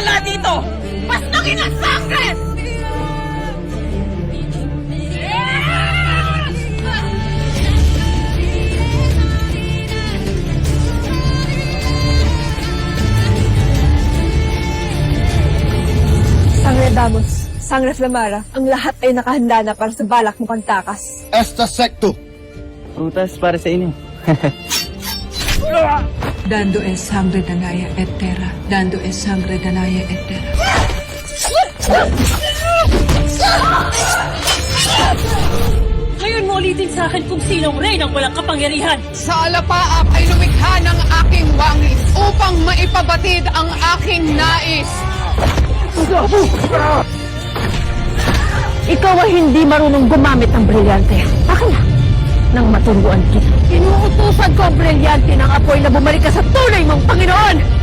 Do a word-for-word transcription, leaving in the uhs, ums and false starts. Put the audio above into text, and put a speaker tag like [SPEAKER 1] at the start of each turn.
[SPEAKER 1] Wala dito! Pastukin ang sangre!
[SPEAKER 2] Sangre Damos, Sangre Flamara, ang lahat ay nakahanda na para sa balak mo pagtakas.
[SPEAKER 3] Esta secto.
[SPEAKER 4] Prutas para sa inyo.
[SPEAKER 5] Dando es sangre danaya et terra. Dando es sangre danaya et terra.
[SPEAKER 1] Ngayon mo ulitin sa akin kung sinong rey ng walang kapangyarihan.
[SPEAKER 6] Sa alapaap ay lumikha ng aking wangis upang maipabatid ang aking nais.
[SPEAKER 2] Ikaw ay hindi marunong gumamit ng brilyante. Akin na, nang maturuan kita. Inuutusan ko ang brilyante ng apoy na bumalik ka sa tunay mong Panginoon!